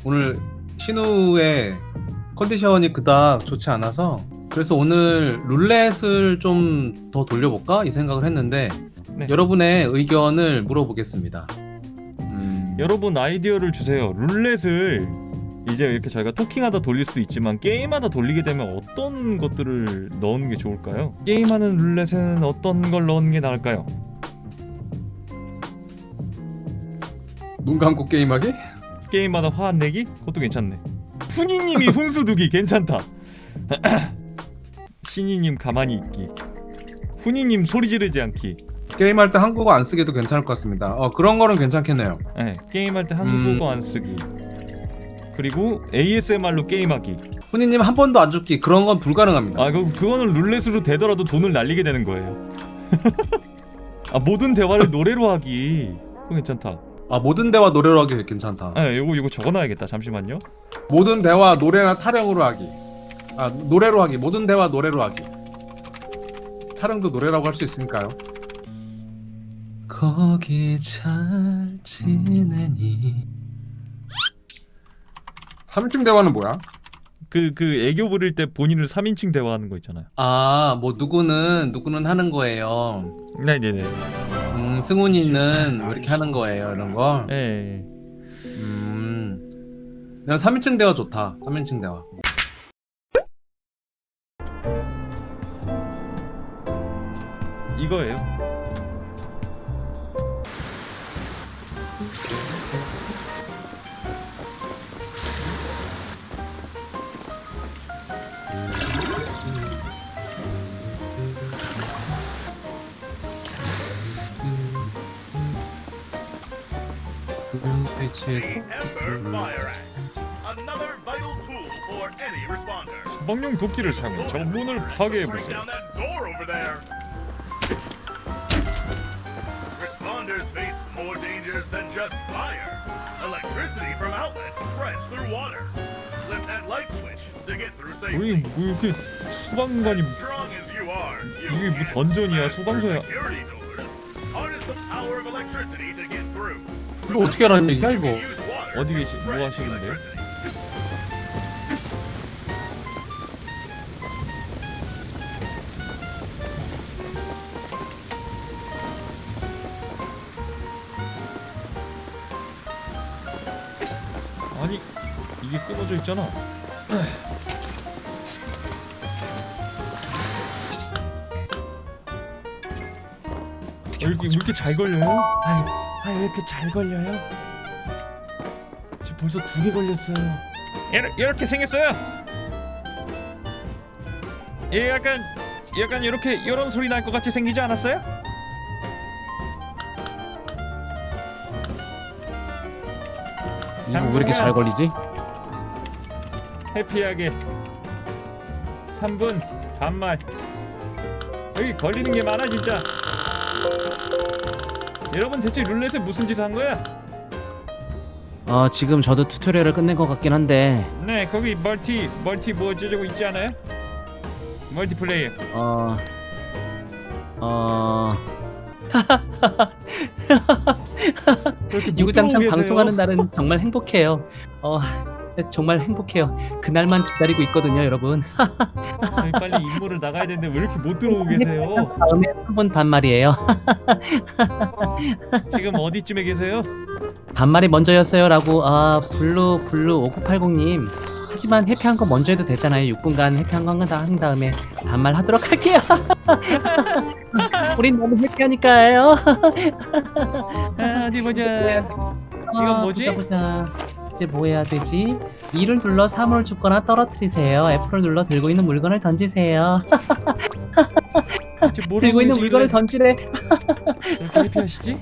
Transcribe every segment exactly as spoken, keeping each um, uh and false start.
오늘 신우의 컨디션이 그닥 좋지 않아서 그래서 오늘 룰렛을 좀 더 돌려볼까 이 생각을 했는데 네. 여러분의 의견을 물어보겠습니다. 음, 여러분 아이디어를 주세요. 룰렛을 이제 이렇게 저희가 토킹하다 돌릴 수도 있지만 게임하다 돌리게 되면 어떤 것들을 넣는 게 좋을까요? 게임하는 룰렛에는 어떤 걸 넣는 게 나을까요? 눈 감고 게임하기? 게임마다 화 안 내기? 그것도 괜찮네. 훈이님이 훈수 두기 괜찮다. 신이님 가만히 있기. 훈이님 소리 지르지 않기. 게임할 때 한국어 안 쓰기도 괜찮을 것 같습니다. 어, 그런 거는 괜찮겠네요. 네, 게임할 때 한국어 음. 안 쓰기. 그리고 에이에스엠알로 게임하기. 훈이님 한 번도 안 죽기 그런 건 불가능합니다. 아, 그 그거는 룰렛으로 되더라도 돈을 날리게 되는 거예요. 아, 모든 대화를 노래로 하기. 그거 괜찮다. 아, 모든 대화 노래로 하기 괜찮다. 아, 요거 요거 적어놔야겠다. 잠시만요. 모든 대화 노래나 타령으로 하기. 아, 노래로 하기. 모든 대화 노래로 하기. 타령도 노래라고 할 수 있으니까요. 거기 잘 지내니. 삼인칭 대화는 뭐야? 그 그 애교 부릴 때 본인을 삼인칭 대화하는 거 있잖아요. 아, 뭐 누구는 누구는 하는 거예요. 네네네. 음, 승훈이는 뭐 이렇게 하는 거예요. 이런 거. 예. 음. 그냥 삼인칭 대화 좋다. 삼인칭 대화. 이거예요. 스위치에서 Ember Fire Axe, another vital tool for any responder. 소방용 도끼를 사용해 저 문을 파괴해 Break 보세요. down that door over there. Responders face more dangers than just fire. Electricity from outlets spreads through water. Flip that light switch to get through 우리 safely. 뭐 이렇게 소방관이 Strong as you are, you 이게 뭐 can't 던전이야, pass 소방서야. through security doors. Harness the power of electricity to get through. 이거 어떻게 하라는 얘기야 이거? Use water 어디 to 계시 뭐 spread 하시는데요? electricity. 아니 이게 끊어져 있잖아. 왜 이렇게, 왜 이렇게 잘 걸려요? 아이, 아이 왜 이렇게 잘 걸려요? 지금 벌써 두 개 걸렸어요. 이렇게, 이렇게 생겼어요. 얘 약간 약간 이렇게 이런 소리 날 것 같이 생기지 않았어요? 이거 왜 이렇게 잘 걸리지? 해피하게 삼 분 반말. 여기 걸리는 게 많아 진짜. 여러분 대체 룰렛에 무슨 짓 한 거야? 어, 지금 저도 튜토리얼을 끝낸 것 같긴 한데 네 거기 멀티 멀티 뭐 어쩌고 있지 않아요? 멀티플레이어. 어... 어... 그렇게 못 유구장창 들어오고 방송하는 계세요? 날은 정말 행복해요. 어... 정말 행복해요. 그날만 기다리고 있거든요, 여러분. 저희 빨리 임무를 나가야 되는데 왜 이렇게 못 들어오고 계세요? 다음에 삼 분 반말이에요. 지금 어디쯤에 계세요? 반말이 먼저였어요라고. 아, 블루 블루 오구팔공님. 하지만 해피한 거 먼저 해도 되잖아요. 육 분간 해피한 거 한 다음에 반말 하도록 할게요. 우린 너무 해피하니까요. 아, 어디 보자. 이건 아, 뭐지? 보자, 보자. 이제 뭐 해야 되지? 이를 눌러 사물을 줍거나 떨어뜨리세요. F를 눌러 들고 있는 물건을 던지세요. 대체 뭐라고 들고 있는 계시길래 물건을 던지래. 저렇게 해피하시지?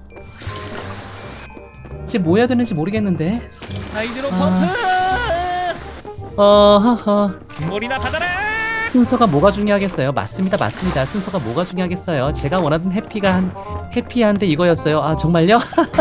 이제 뭐 해야 되는지 모르겠는데. 하이드로 아. 펌프! 어허허. 머리나 받아라! 순서가 뭐가 중요하겠어요? 맞습니다, 맞습니다. 순서가 뭐가 중요하겠어요? 제가 원하던 해피가 한 해피한데 이거였어요. 아, 정말요?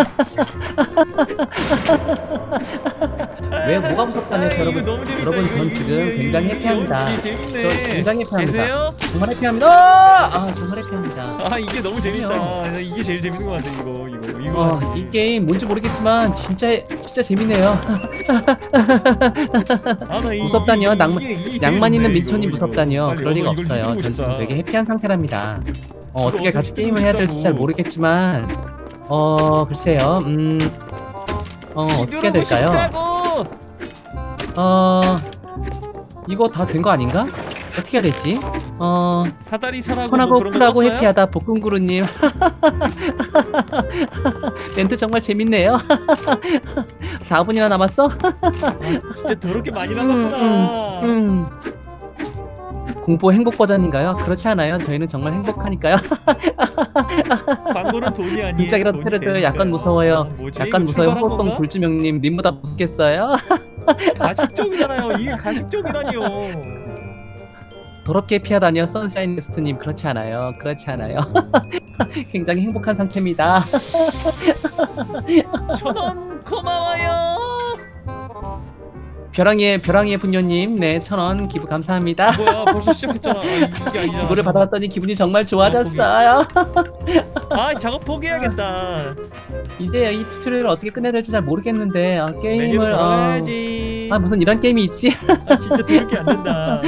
왜 뭐가 무섭다네요, 아, 이거 여러분? 너무 재밌다. 여러분, 이거, 전 이거, 지금 이거, 굉장히 이거, 해피합니다. 이거 재밌네. 저 굉장히 해피합니다. 계세요? 정말 해피합니다. 아, 정말 해피합니다. 아 이게 너무 재밌다. 이게 제일 재밌는 것 같아 이거 이거 이거. 어, 이 게임 뭔지 모르겠지만 진짜 진짜 재밌네요. 아, 나 이- 무섭다뇨. 이- 낭만- 이게- 이게 낭만 있는 재밌네, 민초님 이거, 이거. 무섭다뇨. 빨리 그럴 리가 이거 없어요. 이기고 전 지금 싶다. 되게 해피한 상태랍니다. 어, 어떻게 이거 같이 어떻게 게임을 해야 될지 잘 싶다고. 모르겠지만 어 글쎄요. 음. 어 어떻게 해야 될까요? 어 이거 다 된 거 아닌가? 어떻게 해야 되지? 어 사다리 사라고 뭐 폰하고 그런 거 쿨하고 썼어요? 해피하다 볶음구루님. 멘트 정말 재밌네요. 사 분이나 남았어? 진짜 더럽게 많이 음, 남았구나. 음. 공포 행복 버전인가요? 그렇지 않아요. 저희는 정말 행복하니까요. 광고는 돈이 아니에요. 등짝이라도 돈이 때려줘요. 되니까요. 약간 무서워요. 아, 뭐지? 약간 이거 무서워요. 출발한 호동 건가? 불주명님 님보다 무섭겠어요? 가식적이잖아요. 이게 가식적이라니요. 더럽게 피하다니요. 선샤인 게스트님 그렇지 않아요. 그렇지 않아요. 굉장히 행복한 상태입니다. 천원 고마워요. 벼랑이의 벼랑이의 분녀님 네 천원 기부 감사합니다. 뭐야 벌써 시작했잖아. 아, 이게 아니잖아. 기부를 받아왔더니 기분이 정말 좋아졌어요. 아 작업 포기해야겠다. 이제 이 튜토리얼을 어떻게 끝내야 될지 잘 모르겠는데 어, 메뉴로 게임을 어... 돌아가야지. 아 무슨 이런 게임이 있지? 아, 진짜 더럽게 안 된다.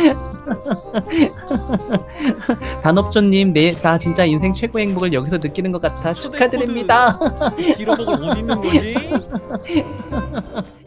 단업조님 네, 다 진짜 인생 최고의 행복을 여기서 느끼는 것 같아 축하드립니다. 기록복을 못 있는 거지?